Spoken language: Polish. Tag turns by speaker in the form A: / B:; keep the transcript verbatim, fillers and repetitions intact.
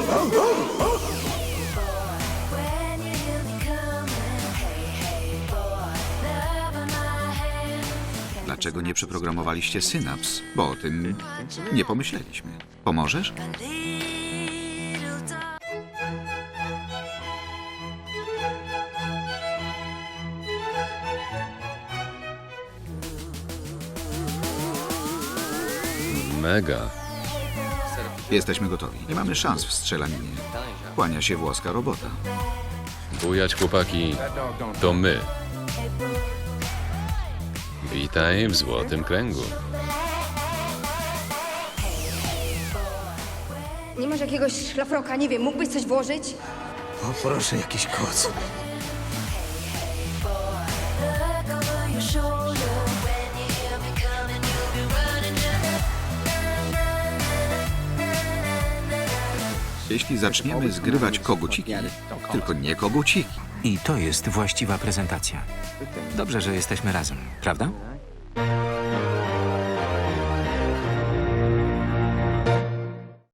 A: Dlaczego nie przeprogramowaliście synaps? Bo o tym nie pomyśleliśmy. Pomożesz?
B: Mega.
A: Jesteśmy gotowi. Nie mamy szans w strzelaninie. Kłania się włoska robota.
B: Bujać, chłopaki. To my. Witaj w Złotym Kręgu.
C: Nie masz jakiegoś szlafroka? Nie wiem, mógłbyś coś włożyć?
D: O, proszę, jakiś koc.
A: Jeśli zaczniemy zgrywać koguciki, tylko nie koguciki.
E: I to jest właściwa prezentacja. Dobrze, że jesteśmy razem, prawda?